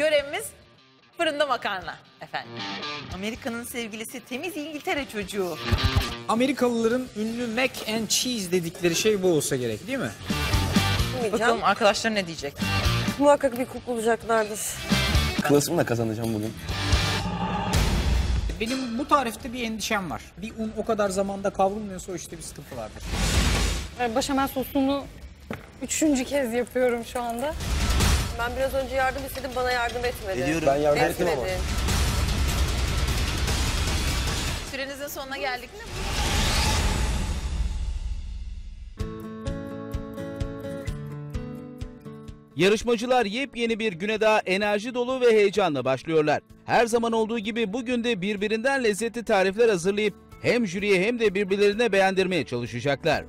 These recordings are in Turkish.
görevimiz fırında makarna efendim. Amerika'nın sevgilisi temiz İngiltere çocuğu. Amerikalıların ünlü mac and cheese dedikleri şey bu olsa gerek değil mi? Bakalım arkadaşlar ne diyecek? Muhakkak bir kulp bulacaklardır. Klasımla kazanacağım bugün. Benim bu tarifte bir endişem var. Bir un o kadar zamanda kavrulmuyorsa o işte bir sıkıntı vardır. Başamel sosunu 3. kez yapıyorum şu anda. Ben biraz önce yardım istedim, bana yardım etmedi. Ediyorum. Ben yardım ettim ama. Sürenizin sonuna geldik mi? Yarışmacılar yepyeni bir güne daha enerji dolu ve heyecanla başlıyorlar. Her zaman olduğu gibi bugün de birbirinden lezzetli tarifler hazırlayıp hem jüriye hem de birbirlerine beğendirmeye çalışacaklar.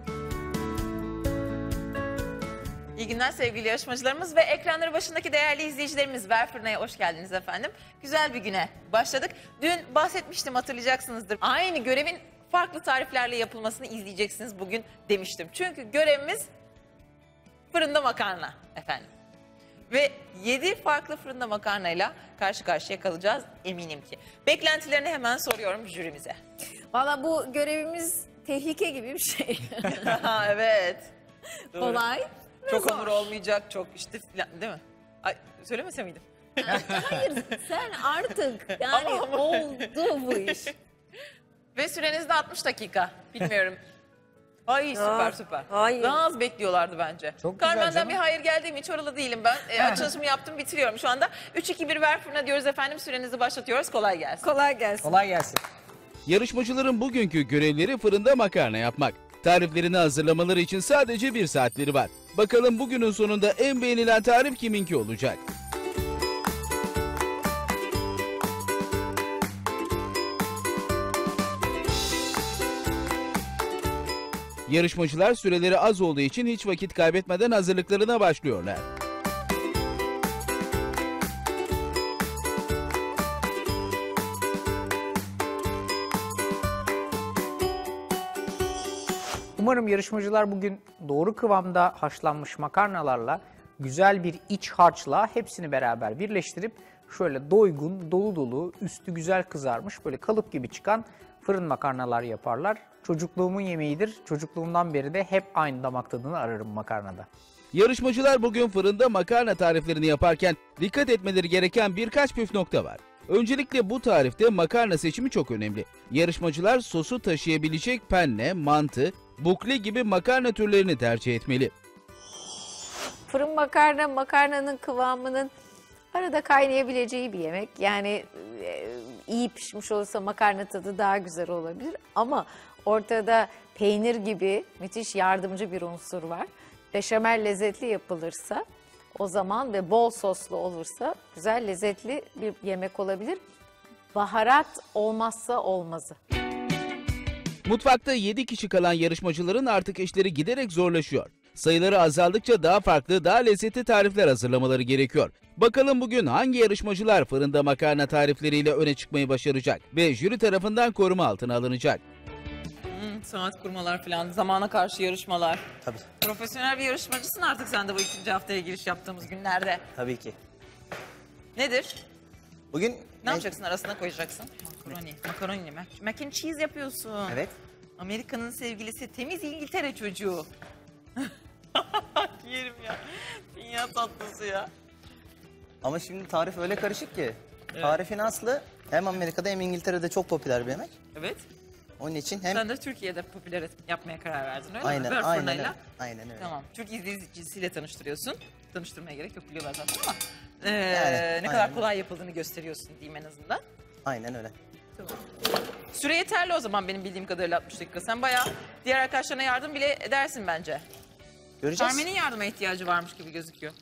İyi günler sevgili yarışmacılarımız ve ekranları başındaki değerli izleyicilerimiz. Ver Fırına'ya hoş geldiniz efendim. Güzel bir güne başladık. Dün bahsetmiştim, hatırlayacaksınızdır. Aynı görevin farklı tariflerle yapılmasını izleyeceksiniz bugün demiştim. Çünkü görevimiz fırında makarna efendim. Ve 7 farklı fırında makarnayla karşı karşıya kalacağız eminim ki. Beklentilerini hemen soruyorum jürimize. Valla bu görevimiz tehlike gibi bir şey. Evet. Doğru. Kolay ve Çok zor. hamur olmayacak, çok işte filan, değil mi? Ay, söylemese miydim? Hayır, sen artık yani Ama- oldu bu iş. Ve süreniz de 60 dakika. Bilmiyorum. Ay süper süper. hayır. Daha az bekliyorlardı bence. Çok güzel Carmen'den canım. bir hayır geldi mi? Hiç oralı değilim ben. Açılışımı yaptım, bitiriyorum şu anda. 3-2-1 ver fırına diyoruz efendim. Sürenizi başlatıyoruz. Kolay gelsin. Kolay gelsin. Kolay gelsin. Yarışmacıların bugünkü görevleri fırında makarna yapmak. Tariflerini hazırlamaları için sadece 1 saatleri var. Bakalım bugünün sonunda en beğenilen tarif kiminki olacak? Yarışmacılar süreleri az olduğu için hiç vakit kaybetmeden hazırlıklarına başlıyorlar. Umarım yarışmacılar bugün doğru kıvamda haşlanmış makarnalarla güzel bir iç harçla hepsini beraber birleştirip şöyle doygun, dolu dolu, üstü güzel kızarmış böyle kalıp gibi çıkan fırın makarnalar yaparlar. Çocukluğumun yemeğidir. Çocukluğumdan beri de hep aynı damak tadını ararım makarnada. Yarışmacılar bugün fırında makarna tariflerini yaparken dikkat etmeleri gereken birkaç püf nokta var. Öncelikle bu tarifte makarna seçimi çok önemli. Yarışmacılar sosu taşıyabilecek penne, mantı, bukle gibi makarna türlerini tercih etmeli. Fırın makarna, makarnanın kıvamının arada kaynayabileceği bir yemek. Yani iyi pişmiş olursa makarna tadı daha güzel olabilir. Ama ortada peynir gibi müthiş yardımcı bir unsur var. Beşamel lezzetli yapılırsa o zaman ve bol soslu olursa güzel lezzetli bir yemek olabilir. Baharat olmazsa olmazı. Mutfakta 7 kişi kalan yarışmacıların artık işleri giderek zorlaşıyor. Sayıları azaldıkça daha farklı, daha lezzetli tarifler hazırlamaları gerekiyor. Bakalım bugün hangi yarışmacılar fırında makarna tarifleriyle öne çıkmayı başaracak ve jüri tarafından koruma altına alınacak. Saat kurmalar falan, zamana karşı yarışmalar. Tabii. Profesyonel bir yarışmacısın artık sen de bu 2. haftaya giriş yaptığımız günlerde. Tabii ki. Nedir? Bugün Ne yapacaksın, arasına koyacaksın? Makaroni. Makaroni mi? Mac and cheese yapıyorsun. Evet. Amerika'nın sevgilisi temiz İngiltere çocuğu. Yerim ya. Dünya tatlısı ya. Ama şimdi tarif öyle karışık ki. Tarifin aslı hem Amerika'da hem İngiltere'de çok popüler bir yemek. Evet. Onun için hem Sen de Türkiye'de popüler yapmaya karar verdin öyle mi? aynen Ver aynen fırınayla. öyle. Aynen öyle. Tamam. Türk izleyicisiyle tanıştırıyorsun. Tanıştırmaya gerek yok, biliyorlar zaten ama. Yani, ne kadar aynen. kolay yapıldığını gösteriyorsun diyeyim en azından. Aynen öyle. Süre yeterli o zaman benim bildiğim kadarıyla 60 dakika. Sen bayağı diğer arkadaşlarına yardım bile edersin bence. Göreceğiz. Carmen'in yardıma ihtiyacı varmış gibi gözüküyor.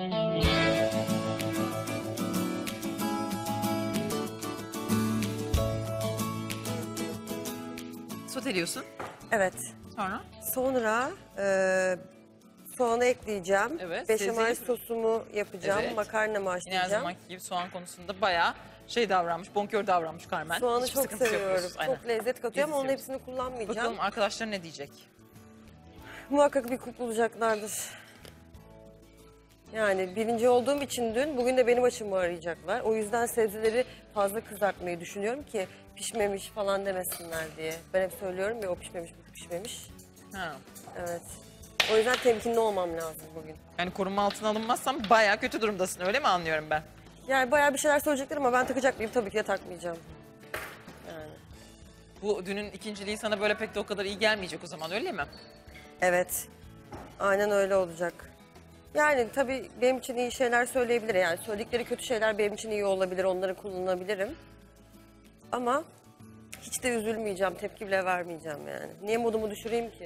Soteliyorsun. Evet. Sonra? Sonra soğanı ekleyeceğim. Evet, Beşamel sezdim. sosumu yapacağım. Evet. Makarnamı Yine her haşlayacağım. zamanki gibi soğan konusunda bayağı davranmış, bonkör davranmış Carmen. Soğanı Hiçbir çok sıkıntı yok seviyorum. diyorsun. Aynen. Çok lezzet katıyor ama onun İzliyoruz. hepsini kullanmayacağım. Bakalım arkadaşlar ne diyecek? Muhakkak bir kulp bulacaklardır. Yani birinci olduğum için dün, bugün de benim açımı arayacaklar. O yüzden sebzeleri fazla kızartmayı düşünüyorum ki pişmemiş falan demesinler diye. Ben hep söylüyorum ya, o pişmemiş, bu pişmemiş. Ha. Evet. O yüzden temkinli olmam lazım bugün. Yani koruma altına alınmazsam bayağı kötü durumdasın, öyle mi anlıyorum ben? Yani bayağı bir şeyler söyleyecekler ama ben takacak mıyım? Tabii ki de takmayacağım. Yani. Bu dünün ikinciliği sana böyle pek de o kadar iyi gelmeyecek o zaman, öyle mi? Evet. Aynen öyle olacak. Yani tabii benim için iyi şeyler söyleyebilir. Yani söyledikleri kötü şeyler benim için iyi olabilir. Onları kullanabilirim. Ama hiç de üzülmeyeceğim. Tepki bile vermeyeceğim yani. Niye modumu düşüreyim ki?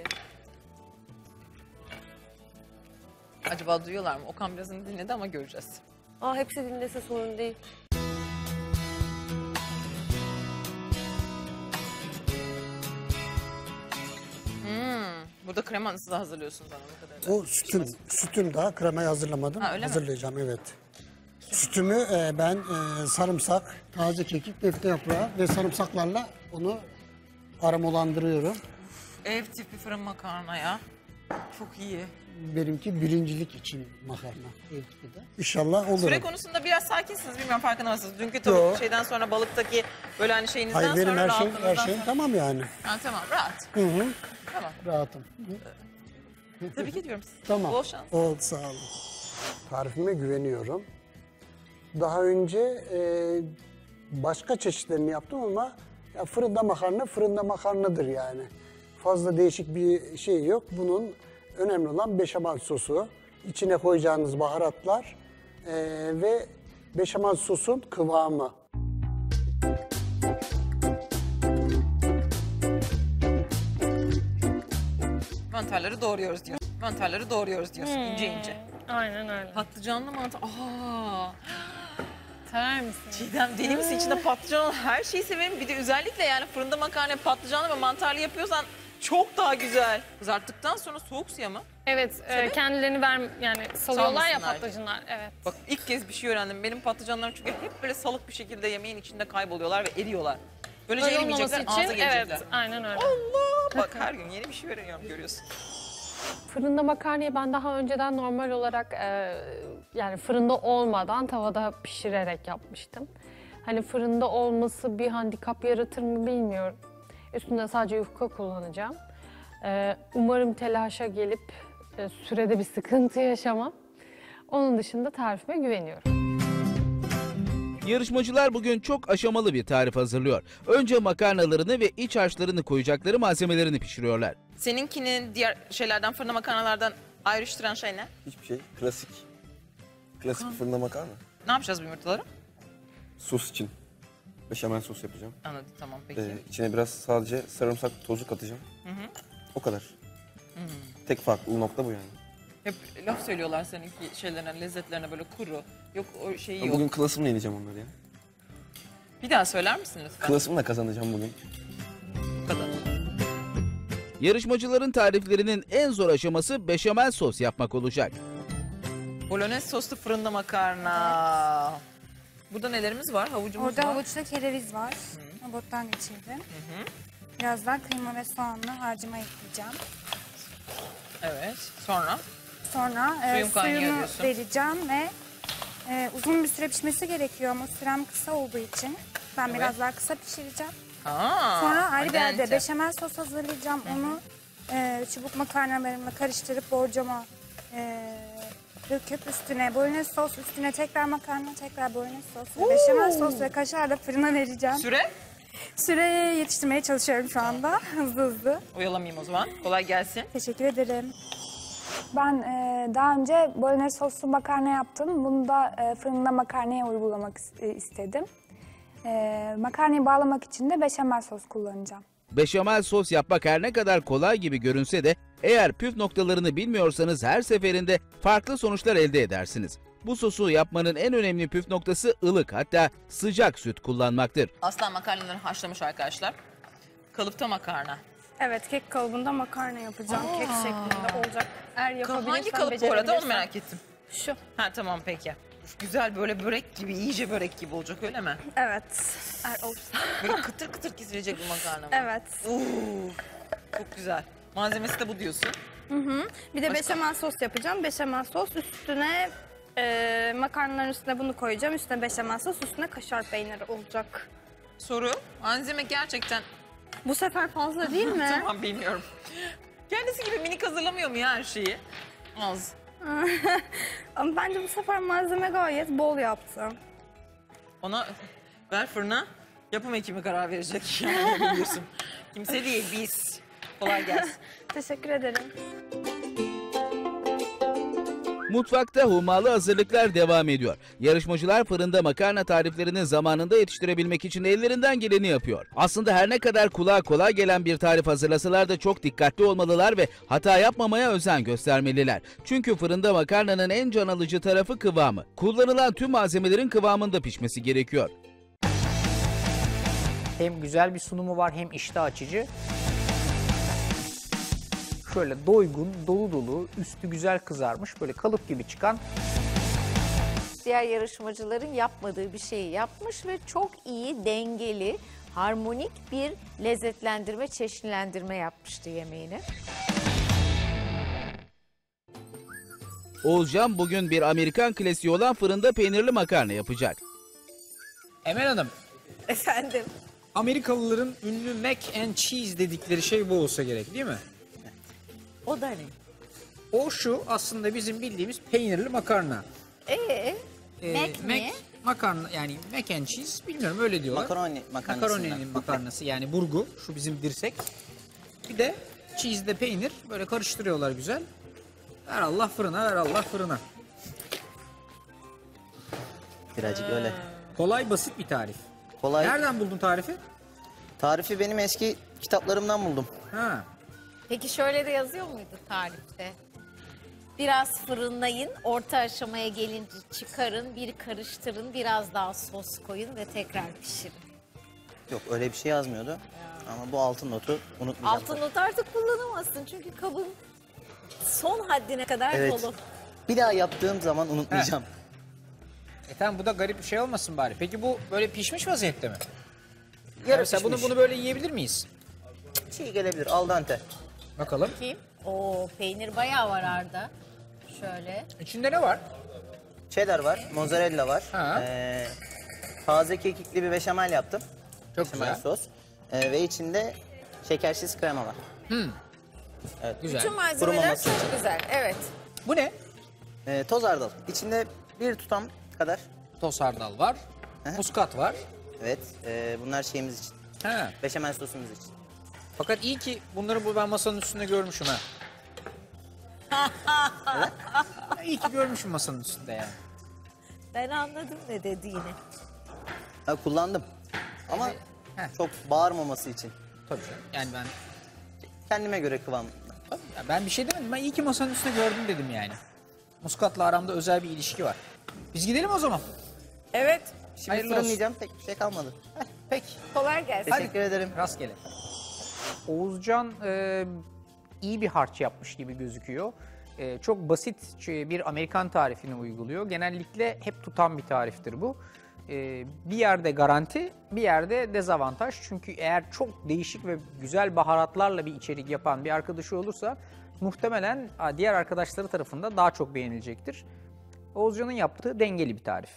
Acaba duyuyorlar mı? Okan birazını dinledi ama göreceğiz. Hepsi dinlese sorun değil. Burada kremanızı da hazırlıyorsunuz anladığım kadarıyla. O sütüm daha kremayı hazırlamadım. Ha, öyle mi? Hazırlayacağım, evet. Sütümü ben sarımsak, taze kekik, defne yaprağı ve sarımsaklarla onu aromalandırıyorum. Ev tipi fırın makarna ya. Çok iyi. Benimki birincilik için makarna. Ev tipi de. İnşallah olur. Süre konusunda biraz sakinsiniz, bilmiyorum farkında mısınız? Dünkü tavuk Yo. şeyden sonra balıktaki böyle hani şeyinizden Hayır, benim sonra her rahatlığınızdan şeyim sonra... tamam yani. Ha, tamam, rahat. Hı hı, Tamam. rahatım. Tebrik ediyorum sizi. Tamam. Bol şans. Oldu, sağ olun. Tarifime güveniyorum. Daha önce başka çeşitlerini yaptım ama ya fırında makarna fırında makarnadır yani. Fazla değişik bir şey yok. Bunun önemli olan beşamel sosu, içine koyacağınız baharatlar ve beşamel sosun kıvamı. Mantarları doğruyoruz diyor. Mantarları doğruyoruz diyorsun ince ince. Aynen öyle. Patlıcanlı mantar. Aa! Sever misin? Çiğdem deli misin? İçinde patlıcan olan her şeyi severim. Bir de özellikle yani fırında makarna patlıcanlı ve mantarlı yapıyorsan çok daha güzel. Kızarttıktan sonra soğuk suya mı? Evet, kendilerini yani salıyorlar ya Salmasınlar. patlıcanlar. Evet. Bak ilk kez bir şey öğrendim. Benim patlıcanlarım çünkü hep böyle salık bir şekilde yemeğin içinde kayboluyorlar ve eriyorlar. Böylece Böyle olmaması erimeyecekler, ağza için gelecekler. evet, aynen öyle. Allah! Bak her gün yeni bir şey öğreniyorum, görüyorsun. Fırında makarnayı ben daha önceden normal olarak yani fırında olmadan tavada pişirerek yapmıştım. Hani fırında olması bir handikap yaratır mı bilmiyorum. Üstünde sadece yufka kullanacağım. Umarım telaşa gelip sürede bir sıkıntı yaşamam. Onun dışında tarifime güveniyorum. Yarışmacılar bugün çok aşamalı bir tarif hazırlıyor. Önce makarnalarını ve iç harçlarını koyacakları malzemelerini pişiriyorlar. Seninkinin diğer şeylerden, fırında makarnalardan ayrıştıran şey ne? Hiçbir şey. Klasik. Klasik bir fırında makarna. Ne yapacağız bu yumurtaları? Sos için. Beşamel sos yapacağım. Anladım, tamam peki. İçine biraz sadece sarımsak tozu katacağım. O kadar. Tek farklı nokta bu yani. Hep laf söylüyorlar seninki şeylerine, lezzetlerine böyle kuru. Yok o şeyi yok. Bugün klasımla yeneceğim onları ya. Bir daha söyler misin lütfen? Klasımla kazanacağım bugün. Bu kadar. Yarışmacıların tariflerinin en zor aşaması beşamel sos yapmak olacak. Bolognese soslu fırında makarna. Burada nelerimiz var? Havucumuz Orada var. havuçla kereviz var. Robottan geçirdim. Birazdan kıyma ve soğanlı harcıma ekleyeceğim. Evet. Sonra? Sonra Suyun kaynıyor suyunu diyorsun. vereceğim ve uzun bir süre pişmesi gerekiyor ama sürem kısa olduğu için ben Evet. biraz daha kısa pişireceğim. Aa, Sonra ayrı bir al yerde dente. beşamel sos hazırlayacağım. Onu çubuk makarnalarımla karıştırıp borcama döküp üstüne bolognese sos, üstüne tekrar makarna, tekrar bolognese sos ve beşamel sos ve kaşarla fırına vereceğim. Süre? Süreye yetiştirmeye çalışıyorum şu anda hızlı hızlı. Oyalamayayım o zaman. Kolay gelsin. Teşekkür ederim. Ben daha önce bolognese soslu makarna yaptım. Bunu da fırında makarnaya uygulamak istedim. Makarnayı bağlamak için de beşamel sos kullanacağım. Beşamel sos yapmak her ne kadar kolay gibi görünse de eğer püf noktalarını bilmiyorsanız her seferinde farklı sonuçlar elde edersiniz. Bu sosu yapmanın en önemli püf noktası ılık, hatta sıcak süt kullanmaktır. Aslan makarnaları haşlamış arkadaşlar. Kalıpta makarna. Evet, kek kalıbında makarna yapacağım. Kek şeklinde olacak. Eğer yapabilirsem, Hangi kalıp bu arada, onu becerebilirsem. merak ettim. Şu. Ha tamam peki. Güzel böyle börek gibi, iyice börek gibi olacak öyle mi? Evet. Eğer olursa. Böyle kıtır kıtır kesilecek bir makarna mı? Evet. Çok güzel. Malzemesi de bu diyorsun. Bir de Başka? beşamel sos yapacağım. Beşamel sos üstüne Makarnaların üstüne bunu koyacağım. Üstüne beşamel sos, üstüne kaşar peyniri olacak. Soru. Malzeme gerçekten Bu sefer fazla değil mi? tamam bilmiyorum. Kendisi gibi minik hazırlamıyor mu ya her şeyi? Az. Ama bence bu sefer malzeme gayet bol yaptım. Ona ver fırına. Yapım ekibi karar verecek. Yani biliyorsun. Kimse değil biz. Kolay gelsin. Teşekkür ederim. Mutfakta hummalı hazırlıklar devam ediyor. Yarışmacılar fırında makarna tariflerini zamanında yetiştirebilmek için ellerinden geleni yapıyor. Aslında her ne kadar kulağa kolay gelen bir tarif hazırlasalar da çok dikkatli olmalılar ve hata yapmamaya özen göstermeliler. Çünkü fırında makarnanın en can alıcı tarafı kıvamı. Kullanılan tüm malzemelerin kıvamında pişmesi gerekiyor. Hem güzel bir sunumu var hem iştah açıcı. Şöyle doygun, dolu dolu, üstü güzel kızarmış, böyle kalıp gibi çıkan Diğer yarışmacıların yapmadığı bir şeyi yapmış ve çok iyi, dengeli, harmonik bir lezzetlendirme, çeşnilendirme yapmıştı yemeğini. Oğuzcan bugün bir Amerikan klasiği olan fırında peynirli makarna yapacak. Emel Hanım, Efendim? Amerikalıların ünlü mac and cheese dedikleri şey bu olsa gerek değil mi? O da ne? O şu aslında bizim bildiğimiz peynirli makarna. Mac ne? Makarna yani mac and cheese bilmiyorum öyle diyorlar. Makaroni makarnasından. Makaroninin makarnası yani burgu şu bizim dirsek. Bir de cheese de peynir böyle karıştırıyorlar güzel. Ver Allah fırına ver Allah fırına. Birazcık öyle. Kolay basit bir tarif. Kolay. Nereden buldun tarifi? Tarifi benim eski kitaplarımdan buldum. Ha. Peki şöyle de yazıyor muydu tarifte? Biraz fırınlayın, orta aşamaya gelince çıkarın, bir karıştırın, biraz daha sos koyun ve tekrar pişirin. Yok öyle bir şey yazmıyordu. Ama bu altın notu unutmayacağım. Altın not artık kullanamazsın çünkü kabın son haddine kadar Evet. dolu. Bir daha yaptığım zaman unutmayacağım. Tamam bu da garip bir şey olmasın bari. Peki bu böyle pişmiş vaziyette mi? Yarı Mesela pişmiş. bunu böyle yiyebilir miyiz? Çiğ gelebilir al dente. Bakalım. Kim? Oo, peynir bayağı var Arda. Şöyle. İçinde ne var? Cheddar var, mozzarella var. Ha. Taze kekikli bir beşamel yaptım. Çok Beşamel güzel. sos. Ve içinde şekersiz krema var. Evet. Güzel. Bütün malzemeler Kurumaması çok için. güzel. Evet. Bu ne? Toz hardal. İçinde bir tutam kadar. Toz hardal var. Muskat var. Evet. Bunlar şeyimiz için. Ha. Beşamel sosumuz için. Fakat iyi ki bunları ben masanın üstünde görmüşüm ha. İyi ki görmüşüm masanın üstünde yani. Ben anladım ne dediğini. Ha, kullandım. Ama çok bağırmaması için. Tabii canım. Yani ben Kendime göre kıvam. ya ben bir şey demedim. Ben iyi ki masanın üstünde gördüm dedim yani. Muskatla aramda özel bir ilişki var. Biz gidelim o zaman. Evet. Şimdi Hayırlı olsun. fırınlayacağım. Pek bir şey kalmadı. Peki. Kolay gelsin. Teşekkür ederim. Rastgele. Oğuzcan iyi bir harç yapmış gibi gözüküyor. Çok basit bir Amerikan tarifini uyguluyor. Genellikle hep tutan bir tariftir bu. Bir yerde garanti, bir yerde dezavantaj. Çünkü eğer çok değişik ve güzel baharatlarla bir içerik yapan bir arkadaşı olursa muhtemelen diğer arkadaşları tarafından daha çok beğenilecektir. Oğuzcan'ın yaptığı dengeli bir tarif.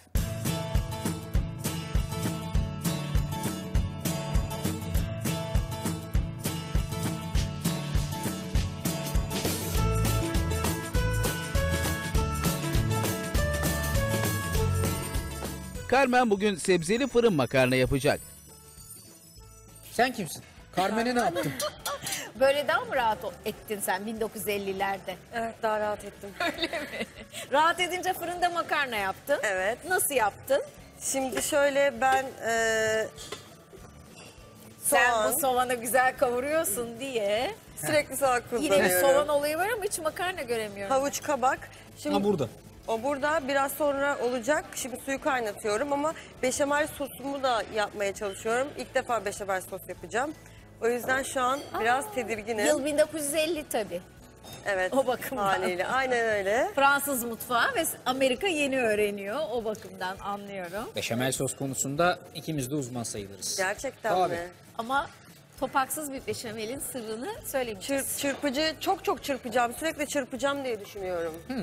Carmen bugün sebzeli fırın makarna yapacak. Sen kimsin? Carmen'e ne yaptın? Böyle daha mı rahat ettin sen 1950'lerde? Evet daha rahat ettim. Rahat edince fırında makarna yaptın. Evet. Nasıl yaptın? Şimdi şöyle ben Sen soğan, bu soğanı güzel kavuruyorsun diye. sürekli soğan Yine bir kullanıyorum. soğan olayı var ama hiç makarna göremiyorum. Havuç, kabak. Şimdi Ha burada. o burada biraz sonra olacak. Şimdi suyu kaynatıyorum ama beşamel sosumu da yapmaya çalışıyorum. İlk defa beşamel sos yapacağım. O yüzden şu an biraz tedirginim. Yıl 1950 tabii. Evet. o bakımdan. Haliyle. Aynen öyle. Fransız mutfağı ve Amerika yeni öğreniyor. O bakımdan anlıyorum. Beşamel sos konusunda ikimiz de uzman sayılırız. Gerçekten Tabii. mi? Ama topaksız bir beşamelin sırrını söylemişiz. Çırpıcı çok çırpacağım. Sürekli çırpacağım diye düşünüyorum.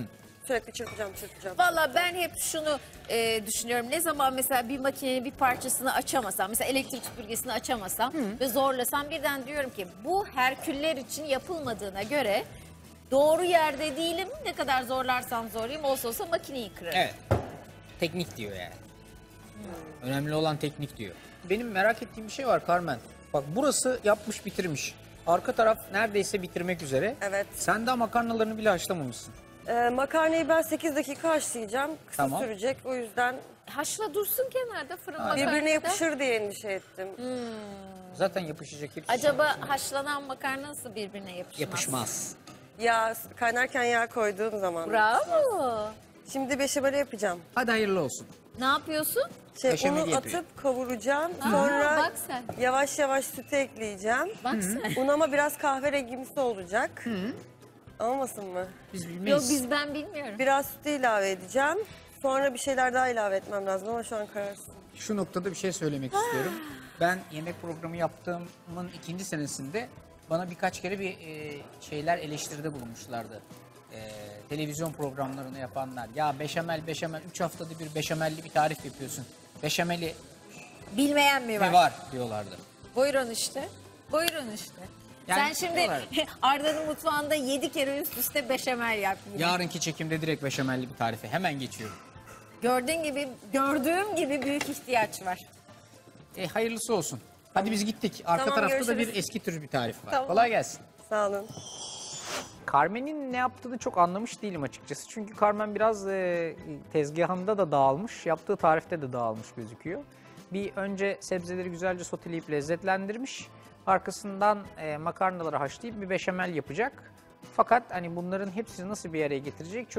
Sürekli çırpacağım. Valla ben hep şunu düşünüyorum. Ne zaman mesela bir makinenin bir parçasını açamasam, mesela elektrik süpürgesini açamasam ve zorlasam birden diyorum ki bu herküller için yapılmadığına göre doğru yerde değilim. Ne kadar zorlarsam zorlayayım olsa makineyi kırarım. Evet. Teknik diyor yani. Önemli olan teknik diyor. Benim merak ettiğim bir şey var Carmen. Bak burası yapmış bitirmiş. Arka taraf neredeyse bitirmek üzere. Evet. Sen daha makarnalarını bile haşlamamışsın. Makarnayı ben 8 dakika haşlayacağım. Kısa Tamam. sürecek. O yüzden Haşla dursun kenarda fırın makarnada. birbirine yapışır diye endişe ettim. Zaten yapışacak hepsi. Acaba haşlanan makarna nasıl birbirine yapışmaz? Yapışmaz. Yağ kaynarken yağ koyduğum zaman. Bravo. Şimdi beşameli yapacağım. Hadi hayırlı olsun. Ne yapıyorsun? Beşameli Unu yapıyor. atıp kavuracağım. Aa, Sonra bak sen. yavaş yavaş sütü ekleyeceğim. Bak sen. Un ama biraz kahverengimsi olacak. Olmasın mı? Biz Yok bilmeyiz. ben bilmiyorum. Biraz sütü ilave edeceğim. Sonra bir şeyler daha ilave etmem lazım ama şu an kararsın. Şu noktada bir şey söylemek istiyorum. Ben yemek programı yaptığımın 2. senesinde bana birkaç kere bir şeyler eleştiride bulunmuşlardı. Televizyon programlarını yapanlar. Ya beşamel 3 haftada bir beşamelli bir tarif yapıyorsun. Beşameli Bilmeyen mi var? ne var diyorlardı. Buyurun işte. Buyurun işte. Yani Sen şimdi diyorlar. Arda'nın mutfağında 7 kere üst üste beşamel yap. yine. Yarınki çekimde direkt beşamelli bir tarife hemen geçiyorum. Gördüğüm gibi büyük ihtiyaç var. Hayırlısı olsun. Hadi biz gittik. Arka Tamam, tarafta da görüşürüz. bir eski tür bir tarif var. Tamam. Kolay gelsin. Sağ olun. Carmen'in ne yaptığını çok anlamış değilim açıkçası. Çünkü Carmen biraz tezgahında da dağılmış, yaptığı tarifte de dağılmış gözüküyor. Bir önce sebzeleri güzelce soteleyip lezzetlendirmiş. Arkasından makarnaları haşlayıp bir beşamel yapacak. Fakat hani bunların hepsini nasıl bir araya getirecek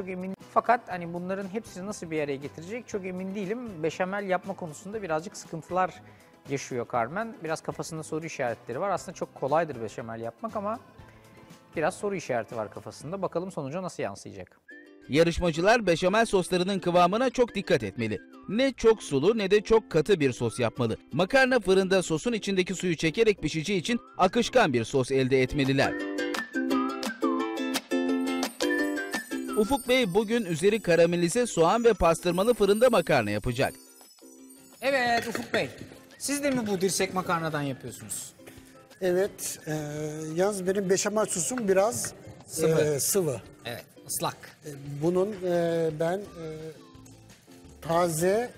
çok emin değilim. Beşamel yapma konusunda birazcık sıkıntılar yaşıyor Carmen. Biraz kafasında soru işaretleri var. Aslında çok kolaydır beşamel yapmak ama biraz soru işareti var kafasında. Bakalım sonuca nasıl yansıyacak. Yarışmacılar beşamel soslarının kıvamına çok dikkat etmeli. Ne çok sulu ne de çok katı bir sos yapmalı. Makarna fırında sosun içindeki suyu çekerek pişeceği için akışkan bir sos elde etmeliler. Ufuk Bey bugün üzeri karamelize soğan ve pastırmalı fırında makarna yapacak. Evet Ufuk Bey, siz de mi bu dirsek makarnadan yapıyorsunuz? Evet, yalnız benim beşamel sosum biraz Sıvı. sıvı. Evet, ıslak. Bunun ben taze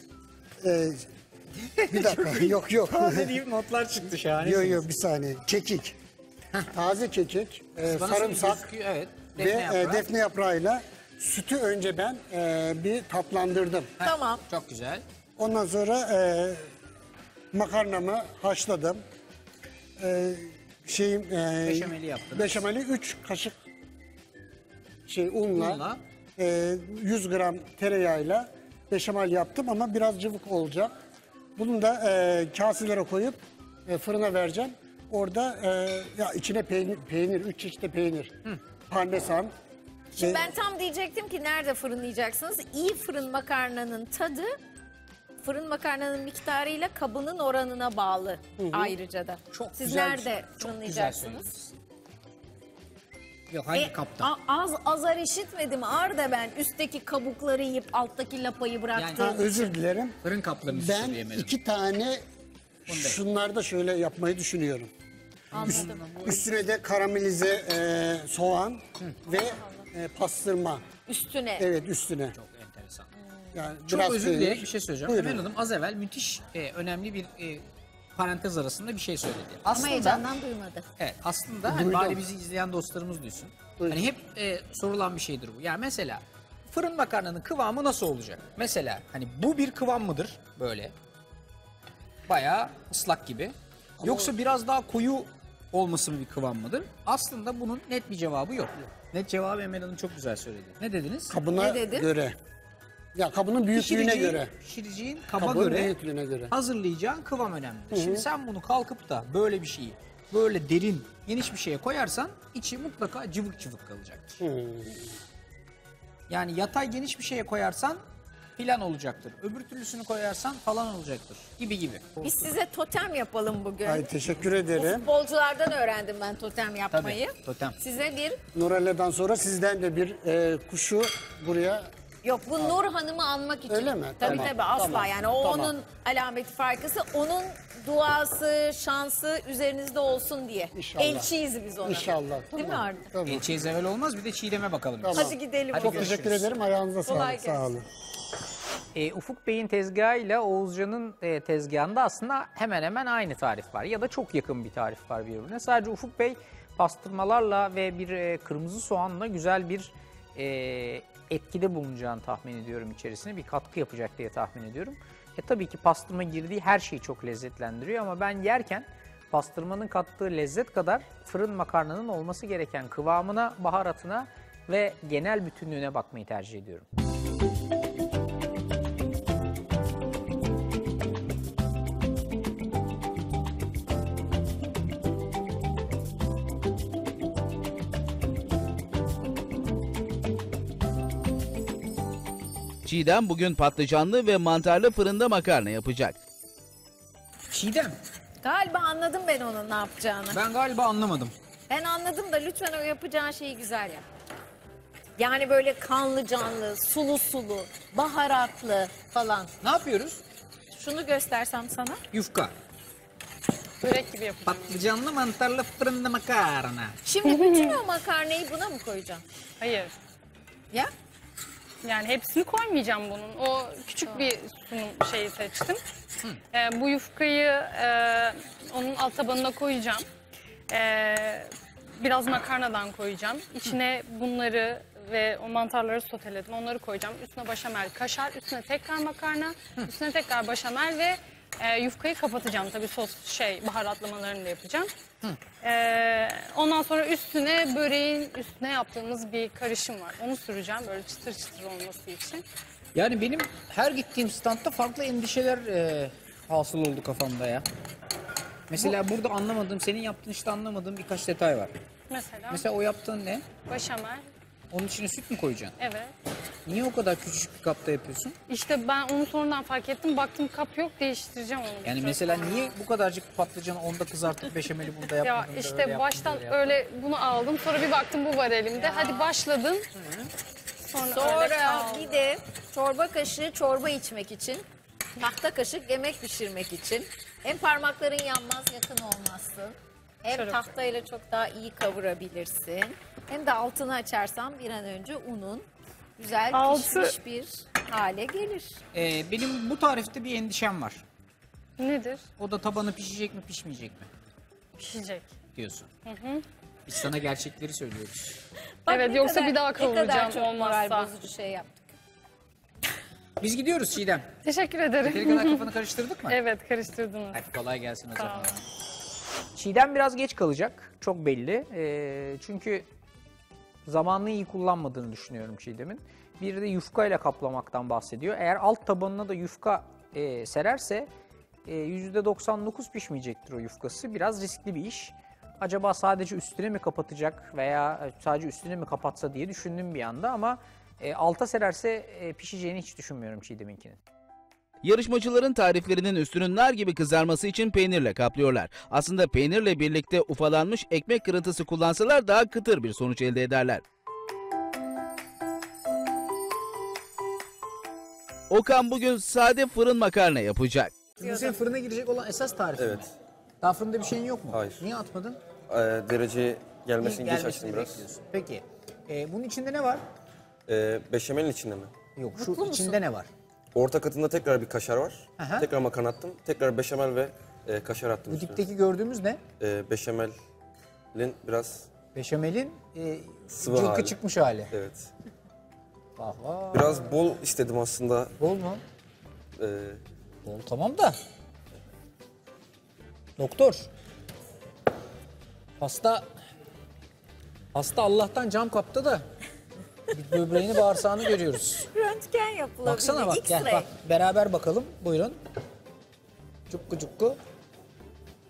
bir dakika yok. Taze deyip notlar çıktı şahane. Yok bir saniye. Kekik. Taze kekik, sarımsak Evet, ve defne yaprağıyla sütü önce ben bir tatlandırdım. Tamam. Çok güzel. Ondan sonra makarnamı haşladım. Beşameli yaptınız. Beşameli 3 kaşık unla, 100 gram tereyağıyla beşamel yaptım ama biraz cıvık olacak. Bunu da kaselere koyup fırına vereceğim. Orada ya içine peynir, 3 çeşit peynir, parmesan. Şimdi ben tam diyecektim ki nerede fırınlayacaksınız? İyi fırın makarnanın tadı fırın makarnanın miktarıyla kabının oranına bağlı ayrıca da. Çok Siz güzel, nerede çok fırınlayacaksınız? güzel Yok hangi kapta? Azar işitmedim Arda ben. Üstteki kabukları yiyip alttaki lapayı bıraktım. Özür dilerim. Fırın kaplarını Ben söyleyemedim. 2 tane şunlarda şöyle yapmayı düşünüyorum. Anladım. Üstüne de karamelize soğan ve pastırma. Üstüne. Evet üstüne. Çok enteresan. Yani Çok biraz özür peynir. dileyerek bir şey söyleyeceğim. Buyurun. Emel Hanım az evvel müthiş önemli bir parantez arasında bir şey söyledi. Ama Aslında, heyecandan duymadı. evet, aslında hani bari bizi izleyen dostlarımız duysun. Hani hep sorulan bir şeydir bu. Yani mesela fırın makarnanın kıvamı nasıl olacak? Mesela hani bu bir kıvam mıdır böyle? Bayağı ıslak gibi. Yoksa biraz daha koyu olması mı bir kıvam mıdır? Aslında bunun net bir cevabı yok. Net cevabı Emel Hanım çok güzel söyledi. Ne dediniz? Kabına Ne dedin? göre. Ya kabının büyüklüğüne göre. Pişireceğin kaba Kabın göre büyüklüğüne göre. hazırlayacağın kıvam önemli. Şimdi sen bunu kalkıp da böyle bir şeyi böyle derin, geniş bir şeye koyarsan içi mutlaka cıvık cıvık kalacaktır. Yani yatay geniş bir şeye koyarsan filan olacaktır. Öbür türlüsünü koyarsan falan olacaktır gibi gibi. Biz size totem yapalım bugün. Ay teşekkür Bu ederim. futbolculardan öğrendim ben totem yapmayı. Tabii, totem. Size bir... Nurella'dan sonra sizden de bir kuşu buraya... Yok bu Nur Hanım'ı anmak için. Öyle mi? Tabii Tamam, tabii asla tamam, yani o tamam. onun alameti farkısı. Onun duası, şansı üzerinizde olsun diye. İnşallah. Elçiyiz biz ona. İnşallah. Değil mi Arda? Tamam. Elçiye zeval olmaz, bir de Çiğdem'e bakalım. Tamam. Hadi gidelim. Çok bugün. teşekkür ederim. Ayağınıza Kolay sağlık. Sağ olun. Ufuk Bey'in tezgahıyla Oğuzcan'ın tezgahında aslında hemen hemen aynı tarif var. Ya da çok yakın bir tarif var birbirine. Sadece Ufuk Bey pastırmalarla ve bir kırmızı soğanla güzel bir etkide bulunacağını tahmin ediyorum içerisine. Bir katkı yapacak diye tahmin ediyorum. Tabii ki pastırma girdiği her şeyi çok lezzetlendiriyor ama ben yerken pastırmanın kattığı lezzet kadar fırın makarnanın olması gereken kıvamına, baharatına ve genel bütünlüğüne bakmayı tercih ediyorum. Çiğdem bugün patlıcanlı ve mantarlı fırında makarna yapacak. Çiğdem, Galiba anladım ben onun ne yapacağını. ben galiba anlamadım. Ben anladım da lütfen o yapacağın şeyi güzel yap. Yani böyle kanlı canlı, sulu sulu, baharatlı falan. Ne yapıyoruz? Şunu göstersem sana. Yufka. Börek gibi yapacağım. Patlıcanlı mantarlı fırında makarna. Şimdi bütün o makarnayı buna mı koyacaksın? Hayır. Ya? Yani hepsini koymayacağım bunun. O küçük bir sunum şeyi seçtim. Bu yufkayı onun alt tabanına koyacağım. Biraz makarnadan koyacağım. İçine bunları ve o mantarları soteledim. Onları koyacağım. Üstüne başamel, kaşar, üstüne tekrar makarna, üstüne tekrar başamel ve yufkayı kapatacağım. Tabii baharatlamalarını da yapacağım. Ondan sonra üstüne böreğin üstüne yaptığımız bir karışım var. Onu süreceğim böyle çıtır çıtır olması için. Yani benim her gittiğim standta farklı endişeler hasıl oldu kafamda ya. Mesela burada anlamadığım, senin yaptığın işte anlamadığım birkaç detay var. Mesela o yaptığın ne? Başamel. Onun içine süt mü koyacaksın? Evet. Niye o kadar küçük bir kapta yapıyorsun? İşte ben onu sonradan fark ettim. Baktım kap yok, değiştireceğim onu. Yani mesela niye bu kadarcık patlıcanı onda kızartıp beşameli burada Ya yapmadın da öyle işte yaptın, baştan böyle yaptın? öyle bunu aldım. Sonra bir baktım bu var elimde. Hadi başladın. Sonra öyle Sonra kaldı. bir de çorba kaşığı çorba içmek için, tahta kaşık yemek pişirmek için. Hem parmakların yanmaz, yakın olmazsın. Hem Şöyle. tahtayla çok daha iyi kavurabilirsin. Hem de altını açarsan bir an önce unun güzel pişmiş bir hale gelir. Benim bu tarifte bir endişem var. Nedir? O da tabanı pişecek mi pişmeyecek mi Pişecek. diyorsun. Biz sana gerçekleri söylüyoruz. Evet, ne yoksa kadar- bir daha Ne kadar kavuracağım çok moral olmazsa. bozucu şey yaptık. Biz gidiyoruz Çiğdem. Teşekkür Yeteri ederim. kadar kafanı karıştırdık mı? Evet, karıştırdınız. Hadi kolay gelsin o Sağ zaman. olun. Çiğdem biraz geç kalacak. Çok belli. Çünkü zamanını iyi kullanmadığını düşünüyorum Çiğdem'in. Bir de yufka ile kaplamaktan bahsediyor. Eğer alt tabanına da yufka sererse %99 pişmeyecektir o yufkası. Biraz riskli bir iş. Acaba sadece üstüne mi kapatacak veya sadece üstüne mi kapatsa diye düşündüm bir anda ama alta sererse pişeceğini hiç düşünmüyorum Çiğdem'inkinin. Yarışmacıların tariflerinin üstünün nar gibi kızarması için peynirle kaplıyorlar. Aslında peynirle birlikte ufalanmış ekmek kırıntısı kullansalar daha kıtır bir sonuç elde ederler. Okan bugün sade fırın makarna yapacak. Bu senin fırına girecek olan esas tarif mi? Evet. Daha fırında bir şeyin yok mu? Hayır. Niye atmadın? Dereceye gelmesini geç Gelmesini açtım biraz. bekliyorsun. Peki. Bunun içinde ne var? Beşamelin içinde mi? Yok, şu içinde ne var? Orta katında tekrar bir kaşar var. Aha. Tekrar makarna attım. Tekrar beşamel ve kaşar attım Bu üstüne. dipteki gördüğümüz ne? Beşamelin biraz Beşamelin sıvı cılkı hali. çıkmış hali. Evet. Vah vah. Biraz bol istedim aslında. Bol mu? Ee, Bol tamam da. Doktor. Hasta Allah'tan cam kapta da bir böbreğini bağırsağını görüyoruz. Röntgen yapılabilir. Baksana bak gel X-ray. bak beraber bakalım buyurun. Cukku cukku.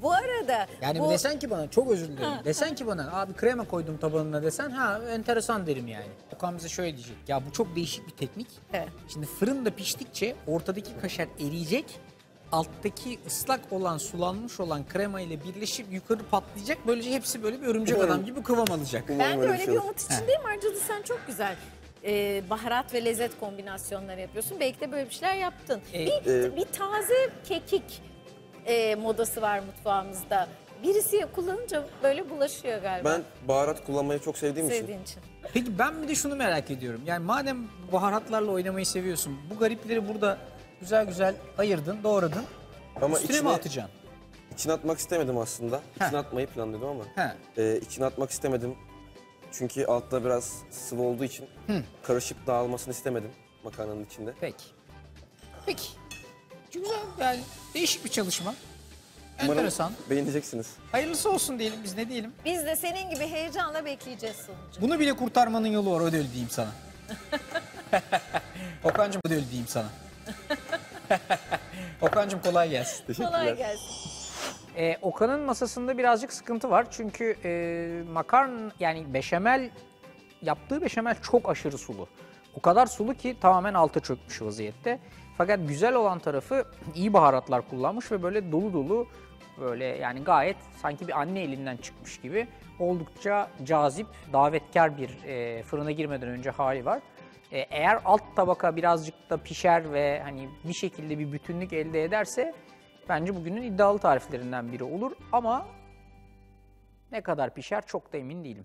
Bu arada Yani bu desen ki bana, çok özür dilerim. Desen ki bana abi krema koydum tabanına desen, ha enteresan derim yani. Okan bize şöyle diyecek. Ya bu çok değişik bir teknik. Evet. Şimdi fırında piştikçe ortadaki kaşar eriyecek. Alttaki ıslak olan, sulanmış olan krema ile birleşip yukarı patlayacak. Böylece hepsi böyle bir örümcek adam gibi kıvam alacak. ben de öyle bir öyle şey bir olur. umut içindeyim. Ayrıca da sen çok güzel baharat ve lezzet kombinasyonları yapıyorsun. Belki de böyle bir şeyler yaptın. Bir taze kekik modası var mutfağımızda. Birisi kullanınca böyle bulaşıyor galiba. Ben baharat kullanmayı çok sevdiğim için. Sevdiğin için. Peki ben bir de şunu merak ediyorum. Yani madem baharatlarla oynamayı seviyorsun, bu garipleri burada güzel güzel ayırdın, doğradın. Ama Üstüne mi atacaksın? İçine atmak istemedim aslında. İçine atmayı planlıyordum ama. İçine atmak istemedim. Çünkü altta biraz sıvı olduğu için karışıp dağılmasını istemedim makarnanın içinde. Peki. Peki. Güzel, yani değişik bir çalışma. Umarım Enteresan. beğeneceksiniz. Hayırlısı olsun diyelim, biz ne diyelim. Biz de senin gibi heyecanla bekleyeceğiz sonucu. Bunu bile kurtarmanın yolu var, öyle diyeyim sana. Okan'cığım öyle diyeyim sana. Okan'cığım kolay gelsin. Kolay gelsin. Okan'ın masasında birazcık sıkıntı var. Çünkü makarna, yani beşamel, yaptığı beşamel çok aşırı sulu. O kadar sulu ki tamamen alta çökmüş vaziyette. Fakat güzel olan tarafı iyi baharatlar kullanmış ve böyle dolu dolu, böyle yani gayet sanki bir anne elinden çıkmış gibi oldukça cazip, davetkar bir fırına girmeden önce hali var. Eğer alt tabaka birazcık da pişer ve hani bir şekilde bir bütünlük elde ederse bence bugünün iddialı tariflerinden biri olur, ama ne kadar pişer çok da emin değilim.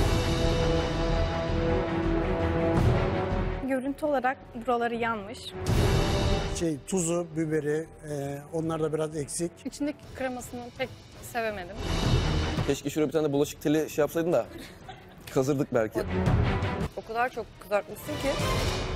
Görüntü olarak buraları yanmış. Tuzu, biberi, onlar da biraz eksik. İçindeki kremasını pek sevemedim. Keşke şuraya bir tane de bulaşık teli yapsaydın da kazırdık belki. O kadar çok kızartmışsın ki